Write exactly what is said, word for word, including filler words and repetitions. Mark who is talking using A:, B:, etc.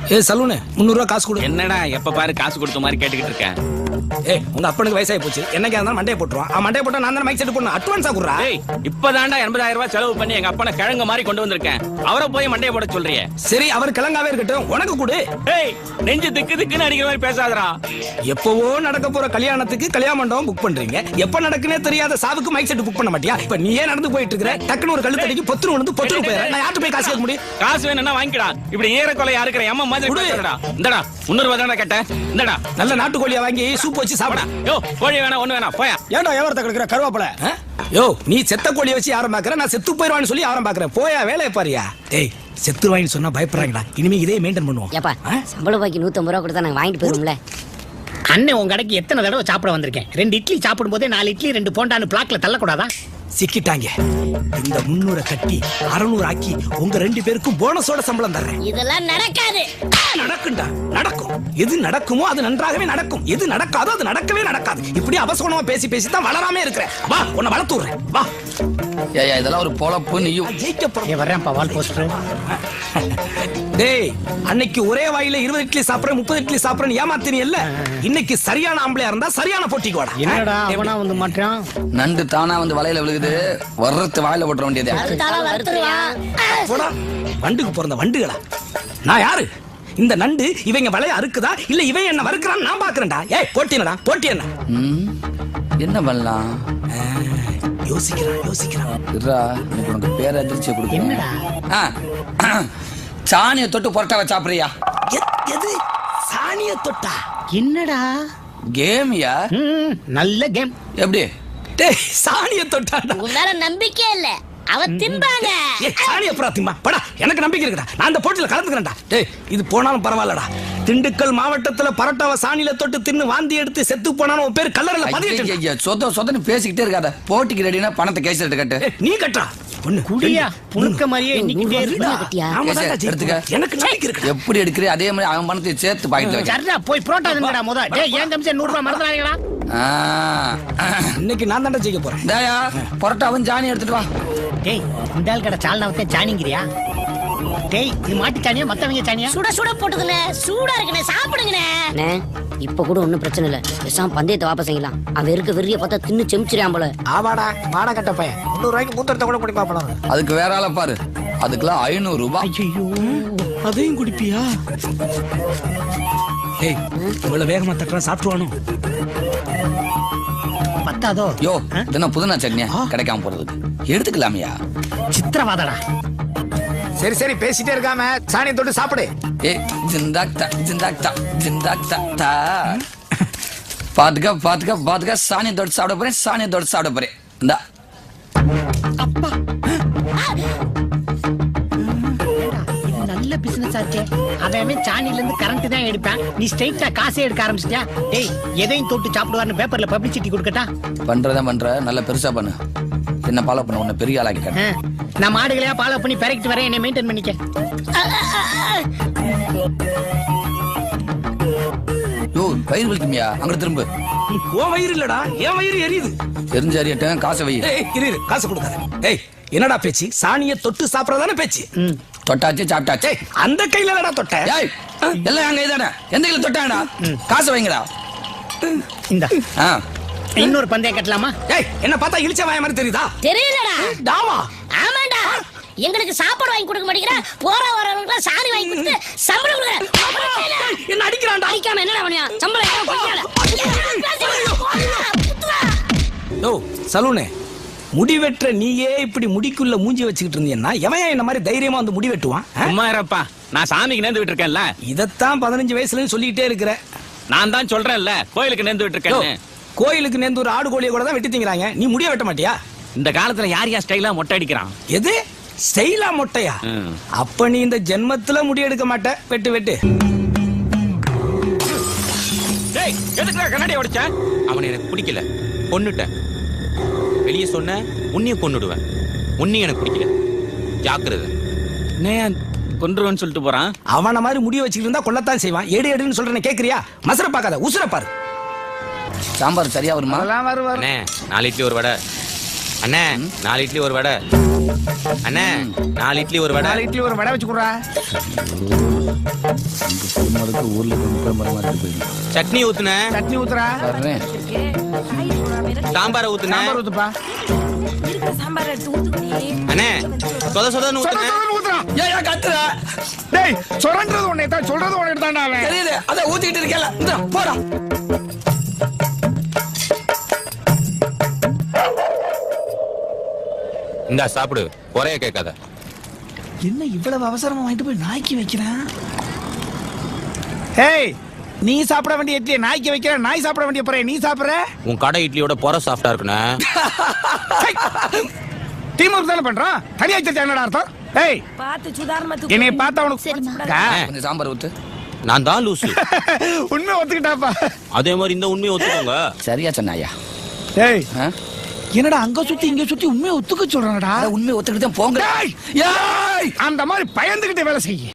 A: ஏ saloon முந்நூறு ரூபா காசு கொடு.
B: என்னடா எப்ப பாரு காசு கொடுத்த மாதிரி கேட்டுக்கிட்டு இருக்கேன்.
A: ஏய் உங்க அப்பனுக்கு வயசாகி போச்சு, என்னைக்கா இருந்தாலும் மண்டையை போட்டுருவான். அவன் மண்டையை போட்டா நான் தானே மைக் செட் போடணும். அட்வான்ஸா குடுறா.
B: ஏய் இப்பதான்டா எண்பதாயிரம் ரூபாய் செலவு பண்ணி எங்க அப்பனை கிழங்கு மாதிரி கொண்டு வந்திருக்கேன். அவரை போய் மண்டையை போட சொல்றியே.
A: சரி அவர் கிழங்காவே இருக்கட்டும், உனக்கு கொடு.
B: ஏய் நெஞ்சு திக்கு திக்குன்னு அடிக்கிற மாதிரி பேசாதடா.
A: எப்பவோ நடக்க போற கல்யாணத்துக்கு கல்யாண மண்டபம் புக் பண்றீங்க, எப்ப நடக்குனே தெரியாத சாவுக்கு மைக் செட் புக் பண்ண மாட்டியா? இப்ப நீயே நடந்து போயிட்டு இருக்கிற, டக்குனு ஒரு கழுத்தடிக்கு பொத்துரு வந்து பொத்துரு போயிடுற. நான் யார்கிட்ட போய் காசு கேட்க முடியும்?
B: காசு வேணும்னா வாங்கிடா. இப்படி ஏற கொலையா இருக்கிற எம்ம மாதிரி பேசுறடா. இந்தடா முந்நூறு ரூபாய் தானே கேட்டேன். இந்தடா
A: நல்ல நாட்டுக்கோழியா வாங்கி சூப் வச்சு சாப்பிடா.
B: யோ கோழி வேணா ஒண்ணு வேணா போயா.
A: ஏன்டா வியாபாரத்தை கிடக்குற கருவாப்பல? யோ நீ செத்த கோழியை வச்சு யாரும் பாக்குற, நான் செத்து போயிடுவான்னு சொல்லி யாரும் பாக்குறேன். போயா வேலையை பாரியா. டேய் செத்துருவாயின்னு சொன்னா பயப்படுறாங்கடா. இனிமே இதே மெயின்டைன் பண்ணுவோம்.
C: ஏப்பா சம்பள பாக்கி நூத்தம்பது ரூபா கொடுத்தா நாங்க வாங்கிட்டு போயிருவோம்ல.
D: அண்ணன் உங்க கடைக்கு எத்தனை தடவை சாப்பிட வந்திருக்கேன். ரெண்டு இட்லி சாப்பிடும் போதே நாலு இட்லி ரெண்டு போண்டான்னு பிளாக்ல தள்ளக்கூடாதா?
A: சிக்கிட்டாங்க. இந்த முன்னூறு கட்டி அறுநூறு ஆக்கி உங்க ரெண்டு பேருக்கும் போனஸோட சம்பளம் தர்றேன்.
C: இதெல்லாம் நடக்காது.
A: நடக்கும்டா, நடக்கும். எது நடக்குமோ அது நன்றாகவே நடக்கும், எது நடக்காதோ அது நடக்கவே நடக்காது. இப்படி அவசரமா பேசி பேசி தான் வளராமே இருக்கிறேன். வா உன்னை வளர்த்து விடுறேன் வா.
E: ஏய் இதெல்லாம் ஒரு பொழப்பு. நீயும்
A: ஜெயிக்க போற.
D: வர்றேன்ப்பா வால் போஸ்டர்.
A: டேய் அன்னைக்கு ஒரே வாயில இருபது இட்லி சாப்பிடுறேன் முப்பது இட்லி சாப்பிடுறேன் ஏமாத்தினி இல்ல. இன்னைக்கு சரியான ஆம்பளையா இருந்தா சரியான போட்டிக்கு வாடா.
D: என்னடா அவனா வந்து மாட்டான்.
E: நண்டு தானா வந்து வலையில விழுகுது, வர்றது வாயில போட்டுற வேண்டியது.
A: போடா வண்டுக்கு பிறந்த வண்டுகளா. நான் யாரு? இந்த நண்டு இவங்க வலைய அறுக்குதா இல்ல இவன் என்ன வறுக்குறான் நான் பாக்குறேன்டா. ஏய் போட்டினடா போட்டி என்ன
E: என்ன பண்ணலாம்?
A: யோசிக்கிறான் யோசிக்கிறான்.
E: இருடா எனக்கு உனக்கு பேர் அதிர்ச்சியை கொடுக்க.
D: என்னடா
E: சாணியை தொட்டு பொரட்டாவை சாப்பிடுறியா?
A: எது சாணிய தொட்டா?
D: என்னடா
E: கேமியா?
D: நல்ல கேம்.
E: எப்படி?
A: டேய் சாணிய தொட்டா?
C: உங்க மேல நம்பிக்கை இல்ல, அவ திம்பாங்க.
A: ஏய் சாணிய புறா திம்பா படா. எனக்கு நம்பிக்கை இருக்குடா, நான் அந்த போட்டியில கலந்துக்கிறேன்டா. டேய் இது போனாலும் பரவாயில்லடா. திண்டுக்கல் மாவட்டத்துல பரோட்டாவை சாணியில தொட்டு தின்னு வாந்தி எடுத்து செத்து போனாலும் உன் பேர் கல்லறையில பதியட்டு.
E: சொத சொதன்னு பேசிக்கிட்டே இருக்காத. போட்டிக்கு ரெடினா பணத்தை கேஸ் எடுத்து கட்டு.
A: நீ கட்டா ஒண்ணு
D: குடியா புழுக்க மாதிரியே இன்னைக்கிட்டே இருக்கா.
A: எனக்கு நம்பிக்கை இருக்கு.
E: எப்படி எடுக்கிறே அதே மாதிரி அவன் பணத்தை சேர்த்து பாக்கிட்டு வை.
D: சரிடா போய் புரோட்டா தின்னுடா முத. டேய் ஏன் தம்பி நூறு ரூபாய் மறந்துறாங்கடா.
A: இன்னைக்கு நான் தான்டா ஜெயிக்க போறேன்.
E: டேயா பரோட்டாவும் சாணி எடுத்துட்டு வா.
D: டேய் இந்தால் கடை சால்னாவத்தே சாணிங்கிறியா? டேய் இது மாட்டு சாணியா மத்தவங்க சாணியா?
C: சுட சுட போட்டுதுனே, சூடா இருக்குனே, சாப்பிடுங்கனே. அண்ணே இப்ப கூட ஒண்ணும் பிரச்சனை இல்ல, பேசாம பந்தயத்தை வாபஸ் செய்யலாம். அவன் இருக்க வெறிய பார்த்தா தின்னு செமிச்சிரான் போல.
A: ஆவாடா வாடா கட்ட பையன். முந்நூறு ரூபாய்க்கு மூத்தரத்தை கூட குடி பாப்பலாம்.
E: அதுக்கு வேற ஆள பாரு, அதுக்கெல்லாம் ஐநூறு ரூபாய்.
A: ஐயோ அதையும் குடிப்பியா? ஏய் இவ்வளவு வேகமா தட்டுறா சாப்பிட்டுவானோ?
D: பத்தாதோ?
E: யோ இதென்ன புதுனா சட்னியா கிடைக்காம போறதுக்கு? எடுத்துக்கலாமியா?
D: சித்திரவாதடா.
A: சரி சரி பேசிட்டே இருக்காம சாணியை தொட்டு சாப்பிடு.
E: ஏ ஜிந்தாக்தா ஜிந்தாக்தா ஜிந்தாக்தா. பாத்துக்க பாத்துக்க பாத்துக்க. சாணியை தொட்டு சாப்பிட போறேன், சாணியை தொட்டு சாப்பிட போறேன். இந்தா
D: அப்பா நல்ல பிசினஸ் ஆச்சே. அவன் சாணில இருந்து கரண்ட் தான் எடுப்பான், நீ ஸ்ட்ரைட்டா காசே எடுக்க ஆரம்பிச்சிட்டியா? டேய் எதையும் தொட்டு சாப்பிடுவார்னு பேப்பர்ல பப்ளிசிட்டி கொடுக்கட்டா?
E: பண்றதா பண்ற, நல்ல பெருசா பண்ணு. என்ன ஃபாலோ பண்ண உன்னை பெரிய ஆளாக்கி காட்டு.
D: நான் மாடுகளையா ஃபாலோ பண்ணி பெரக்கிட்டு வரேன், என்னை மெயின்டைன் பண்ணிக்க.
E: யோ வயிறு வலிக்குமியா? அங்க திரும்ப.
A: உன் வயிறு இல்லடா என் வயிறு எரியுது.
E: தெரிஞ்ச அறியட்டும் காசை வை.
A: ஏய் இரு இரு காசு கொடுக்காத. ஏய் என்னடா பேச்சு? சாணியை தொட்டு சாப்பிடறதானே பேச்சு?
E: தொட்டாச்சு சாப்பிட்டாச்சு.
A: அந்த கையில என்னடா தொட்ட?
E: ஏய் எல்லாம் அங்க இதானே, எந்த கையில தொட்டாங்கடா? காசு வைங்கடா.
D: இந்த
E: ஆ
D: இன்னொரு பந்தயம் கட்டலாமா?
A: ஏய் என்ன பார்த்தா இழிச்ச வாய மாதிரி தெரியுதா?
C: தெரியலடா.
A: டாமா
C: ஆமாடா, எங்களுக்கு சாப்பாடு வாங்கி கொடுக்க மாட்டேங்கற, போற வரவங்களுக்கு சாணி வாங்கி கொடுத்து சம்பளம் கொடுக்கற.
A: என்ன அடிக்கறான்டா?
C: அடிக்காம என்னடா பண்ணியா? சம்பளம் ஏன் கொடுக்கல?
A: யோ சலூனே முடி வெற்ற நீயே இப்படி முடிக்குள்ள மூஞ்சி வச்சுக்கிட்டு இருந்தீங்கன்னா எவன் என்ன மாதிரி தைரியமா வந்து முடி வெட்டுவான்?
B: சும்மா இருப்பா, நான் சாமிக்கு நேர்ந்து விட்டு இருக்கேன்ல.
A: இதத்தான் பதினஞ்சு வயசுல சொல்லிக்கிட்டே இருக்கிற.
B: நான் தான் சொல்றேன்ல கோயிலுக்கு நேர்ந்து விட்டு இருக்கேன்னு.
A: கோயிலுக்கு நேர்ந்து ஒரு ஆடு கோழியை கூட தான் வெட்டி திங்கறாங்க, நீ முடிய வெட்ட மாட்டியா?
B: இந்த காலத்துல யார் யார் ஸ்டைலா மொட்டை அடிக்கிறான்?
A: எது ஸ்டைலா மொட்டையா? அப்ப நீ இந்த ஜென்மத்துல முடி எடுக்க மாட்ட. வெட்டு வெட்டு.
B: டேய் எதுக்குடா கண்ணாடி உடைச்ச? அவனை எனக்கு பிடிக்கல, கொன்னுட்டேன். வெளியே சொன்ன உன்னையும் கொன்னுடுவேன். உன்னையும் எனக்கு பிடிக்கல, ஜாக்கிரதை. நான் கொன்றுவேன்னு சொல்லிட்டு போறான்.
A: அவன மாதிரி முடிய வச்சுக்கிட்டு இருந்தா கொல்லத்தான் செய்வான். எடு எடுன்னு சொல்றேன்னு கேக்குறியா? மசர பாக்காத, உசுர பாரு.
E: சாம்பார் சரியா வருமா?
B: அண்ணே நாலு இட்லி ஒரு வடை. அண்ணே நாலு இட்லி ஒரு வடை. அண்ணே நாலு இட்லி ஒரு வடை.
D: நாலு இட்லி ஒரு வடை வச்சு கொடுறா.
B: சட்னி ஊத்துன.
D: சட்னி ஊத்துறா.
E: வர்றேன்.
B: சாம்பார் ஊத்துன.
D: சாம்பார் ஊத்துப்பா.
B: அண்ணே சொத சொதன்னு
D: சொர
B: ஊத்துன.
D: சொரன்னு ஊத்துறா.
E: ஏன் ஏன் கத்துற?
D: டேய் சொரன்றது ஒண்ணே தான், சொல்றது ஒண்ணே தான்டா அவன்.
E: தெரியுது, அதான் ஊத்திக்கிட்டு இருக்கேன்ல. இந்தா, போடா.
B: இந்தா சாப்பிடு, குறைய கேட்காத.
A: என்ன இவ்வளவு அவசரமா வாங்கிட்டு போய் நாய்க்கு வைக்கிறேன்?
D: ஏய் நீ சாப்பிட வேண்டிய இட்லியை நாய்க்கு வைக்கிற, நாய் சாப்பிட வேண்டிய பொறைய நீ சாப்பிடுற.
B: உன் கடை இட்லியோட பொற சாஃப்டா இருக்குண்ணே.
D: டீம் ஒர்க் தானே பண்றோம், தனியா வச்சிருச்சா என்னடா அர்த்தம்? ஏய்
F: பார்த்து சுதாரணமா தூக்கு.
D: என்னைய பார்த்தா உனக்கு
C: சரிம்மா.
D: ஆ,
E: கொஞ்சம் சாம்பார் ஊத்து.
B: நான் தான் லூசு.
D: உண்மை ஒத்துக்கிட்டாப்பா.
B: அதே மாதிரி இந்த உண்மையை ஒத்துக்கோங்க.
E: சரியா சொன்னாயா?
D: ஏய்
E: ஆ?
D: என்னடா அங்க சுத்தி இங்க சுத்தி உண்மையை ஒத்துக்க சொல்றானடா.
E: அட, உண்மையை ஒத்துக்கிட்டு தான் போங்க.
D: டேய், ஏய், அந்த மாதிரி பயந்துகிட்டு வேலை செய்ய.